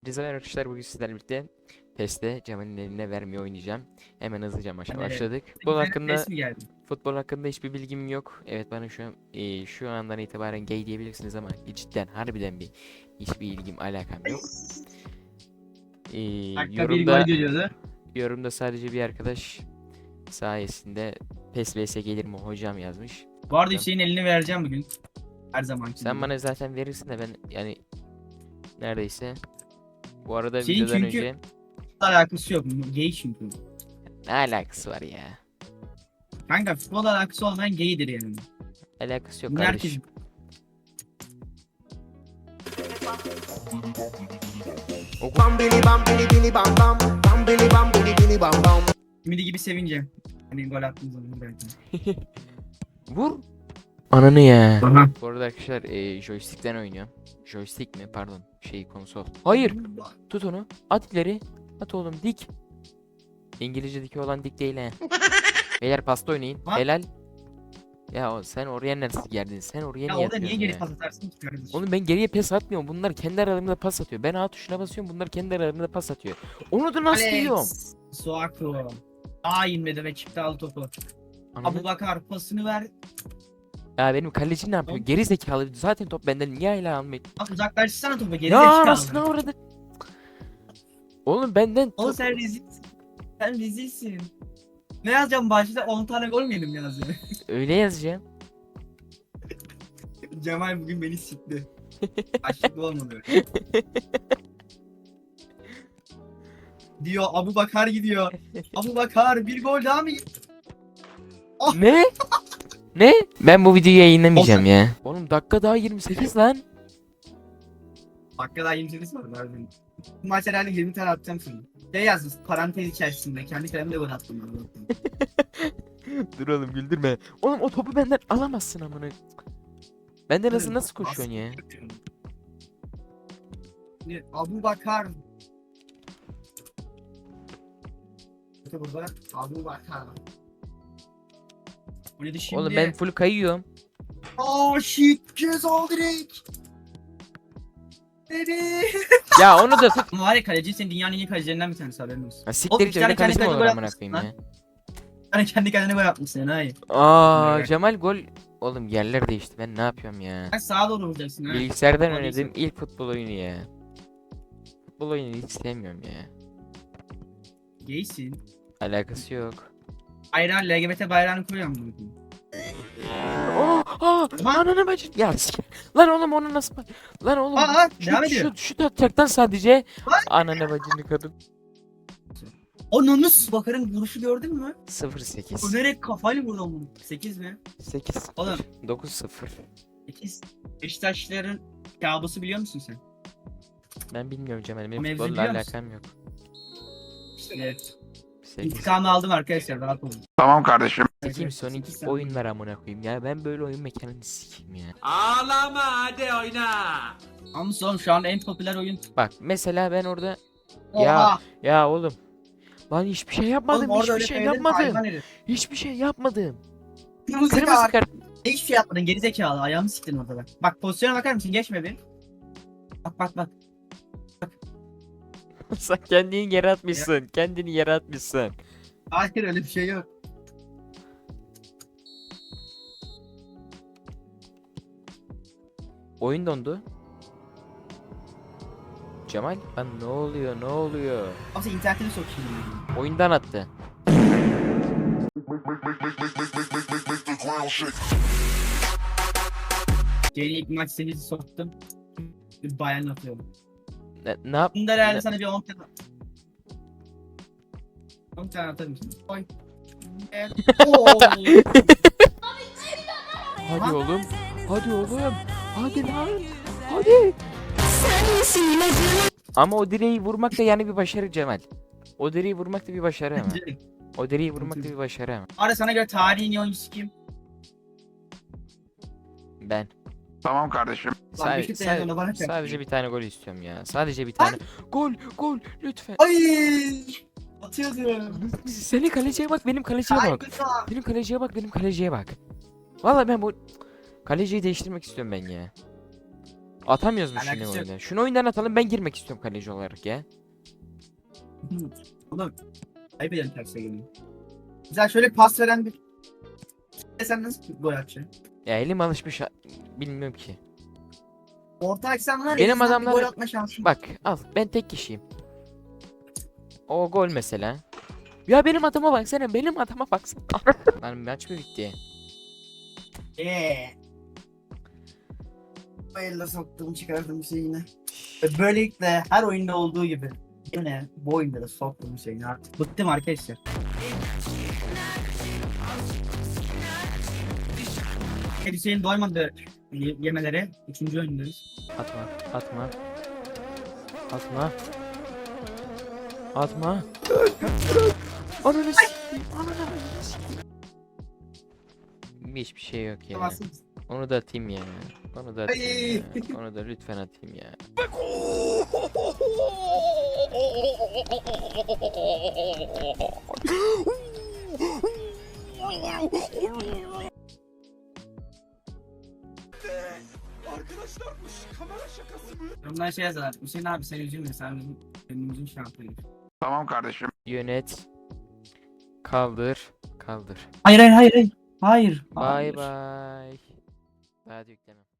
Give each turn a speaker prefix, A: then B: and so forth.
A: Herkese merhaba arkadaşlar, bugün sizlerle birlikte PES'te Cemal'in eline vermeyi oynayacağım. Hemen hızlıca maça
B: Evet.
A: başladık. Futbol hakkında
B: Ses mi geldi?
A: hiçbir bilgim yok. Evet, bana şu andan itibaren gay diyebilirsiniz ama cidden harbiden hiçbir ilgim alakam yok. E,
B: Dakika bir gol
A: yorumda
B: geliyordu.
A: yorumda sadece bir arkadaş sayesinde PES vs gelir mi hocam yazmış.
B: Bu arada Hüseyin elini vereceğim bugün. Her zaman.
A: Sen bana zaten verirsin de ben yani neredeyse. Bu arada
B: Hüseyin
A: videodan
B: çünkü
A: önce
B: alakası yok. Gay çünkü.
A: ne alakası var ya?
B: Kanka futbol alakası olmayan gaydir yani.
A: Alakası yok
B: Bunu herkes...
A: kardeşim.
C: Bam bili bam bili bili bam bam bam bili bam bili bili bam bam.
B: Ümidi gibi sevince. Hani gol attığım zaman belki.
A: Vur. Ananı ya.
B: Aha.
A: Bu arada arkadaşlar joystick'ten oynuyorum. Joystick mi? Pardon. Konsol. Hayır. Tut onu. At ileri. At oğlum dik. İngilizce'deki olan dik değil he. Beyler pasta oynayın.
B: Ha?
A: Helal. Ya sen oraya nasıl geldin? Sen oraya
B: Ya
A: niye
B: orada niye
A: atıyorsun
B: geri
A: ya?
B: pas atarsın ki kardeşim?
A: Oğlum ben geriye pas atmıyorum. Bunlar kendi aralarında pas atıyor. Ben A tuşuna basıyorum. Bunlar kendi aralarında pas atıyor. Onu da nasıl yiyorum?
B: Alex Suaku. Aa inmedi ve çıktı aldı topu.
A: Ananı-
B: Abubakar pasını ver.
A: Ya benim kaleci ne yapıyor?
B: Oğlum.
A: Geri zekalı. Zaten top benden niye hala almıyor?
B: Bak uzaklaştırsana topu geri
A: Ya
B: zekalı.
A: anasını uğradı. Oğlum benden
B: Oğlum sen rezilsin. Sen rezilsin. Ne yazacağım başta? 10 tane gol mü yedim yazıyor.
A: öyle yazacağım.
B: Cemal bugün beni sikti. Başlıklı olmadı. Diyor Abu Bakar gidiyor. Abu Bakar bir gol daha mı?
A: Ne? Ne? Ben bu videoyu yayınlamayacağım ya. Oğlum dakika daha 28 lan.
B: Dakika daha 28 var harbiden. Bu maç herhalde 20 tane atacağım şimdi. Şey yazmış parantez içerisinde. Kendi kalemle gol attım ben.
A: Dur oğlum güldürme. Oğlum o topu benden alamazsın amına. Benden nasıl koşuyorsun ya?
B: Abu Bakar. İşte burada Abu Bakar. Bu neydi şimdi?
A: Oğlum ben full kayıyorum.
B: Oh shit ceza direkt. Baby.
A: Ya onu da tut.
B: Ama var ya kaleci senin dünyanın en iyi kalecilerinden bir tanesi haberin olsun.
A: Ha
B: Oğlum,
A: siktir
B: iki
A: git öyle
B: tane kendi
A: kaleci mi
B: kalene
A: olur
B: gol
A: amına
B: atmışsın
A: koyayım
B: lan.
A: ya.
B: Hani kendi kendine gol atmışsın hayır.
A: Aa
B: Evet.
A: Cemal gol. Oğlum yerler değişti. Ben ne yapıyorum ya?
B: Sen sağa doğru vuracaksın ha.
A: Bilgisayardan
B: Gol
A: oynadığım
B: değilse.
A: ilk futbol oyunu ya. Futbol oyunu hiç sevmiyorum ya.
B: Gaysin.
A: Alakası yok.
B: Bayrağı LGBT bayrağını koyuyorum bunu.
A: Aa, ananı bacım. Ya lan oğlum onu nasıl lan oğlum
B: Devam ediyor.
A: şu tatacaktan sadece
B: Lan.
A: ananı bacını kadın.
B: Onun Bakar'ın vuruşu gördün mü?
A: 0-8
B: Önerek kafayla vurdu onu. 8 mi?
A: 8
B: Oğlum
A: 9-0.
B: 8. Beşiktaşlıların kabusu biliyor musun sen?
A: Ben bilmiyorum Cemal, benim
B: Mevzu
A: futbolla
B: biliyor musun?
A: alakam yok.
B: Evet.
A: 8.
B: İntikamı aldım arkadaşlar rahat olun.
C: Tamam kardeşim.
A: Sikeyim Sonic
B: Sekiz sen-
A: oyunlar amına koyayım ya, ben böyle oyun mekanını sikeyim ya.
D: Ağlama hadi oyna.
B: Ama son şu an en popüler oyun.
A: Bak mesela ben orada
B: Oha.
A: ya oğlum lan hiçbir şey yapmadım,
B: Oğlum orada
A: hiçbir
B: öyle
A: şey
B: söyledin,
A: yapmadım.
B: hayvan herif.
A: Hiçbir şey yapmadım.
B: Kırmızı
A: Kırmızı
B: kart.
A: kart.
B: Hiçbir şey yapmadın gerizekalı ayağımı siktin orada bak. Bak pozisyona bakar mısın geçme bir. Bak.
A: Sen kendini yere atmışsın. Kendini yere atmışsın.
B: Hayır öyle bir şey yok.
A: Oyun dondu. Cemal, lan ne oluyor? Ne oluyor?
B: Ama sen internetini sokayım.
A: Oyundan attı.
B: Jane ilk maç serisi soktum. Bir bayan atıyorum.
A: Ne yap?
B: Bunda herhalde sana bir 10 tane... 10 tane atarım şimdi. Oy. Evet. Oo.
A: Hadi oğlum. Hadi oğlum. Hadi lan. Hadi. Ama o direği vurmak da yani bir başarı Cemal. O direği vurmak da bir başarı ama. O direği vurmak da bir başarı ama.
B: Ara sana göre tarihin oyuncusu kim?
A: Ben.
C: Tamam kardeşim.
B: Lan Beşiktaş'ın yanına bana çarptı.
A: Sadece bir tane gol istiyorum ya. Sadece bir tane. Gol lütfen.
B: Ay! Atıyordum.
A: Senin kaleciye bak, benim kaleciye
B: Ay,
A: bak.
B: güzel.
A: Benim kaleciye bak, benim kaleciye bak. Vallahi ben bu kaleciyi değiştirmek istiyorum ben ya. Atamıyoruz mu şunu
B: Alakası yok.
A: oyundan? Şunu oyundan atalım, ben girmek istiyorum kaleci olarak ya.
B: Oğlum ayıp eden terse geliyor. Güzel şöyle pas veren bir... Sen nasıl gol atacaksın?
A: Ya elim alışmış bilmiyorum ki.
B: Orta açsan var ya,
A: Benim
B: bizden bir
A: adamlar-
B: gol atma şansın.
A: Bak al, ben tek kişiyim. O gol mesela. Ya benim adama baksana, benim adama baksana. Lan maç mı bitti?
B: Bu elle soktuğum çıkardığım şey yine. Böylelikle her oyunda olduğu gibi. Yine bu oyunda da soktuğum şeyini artık. Bıktım arkadaşlar. Hüseyin doymadı yemelere. Üçüncü oyundayız.
A: Atma, atma. Atma. Atma. Ananı s**eyim, ananı s**eyim. Hiçbir şey yok ya.
B: Tamamsın.
A: Onu da atayım ya. Onu da atayım ya. Onu da lütfen atayım ya.
B: Yorumlara şey yazarlar. Hüseyin abi sen üzülme, sen bizim önümüzün şampiyonu.
E: Tamam kardeşim.
A: Yönet. Kaldır. Kaldır.
B: Hayır hayır hayır hayır.
A: Bye bye. Daha da yüklemem.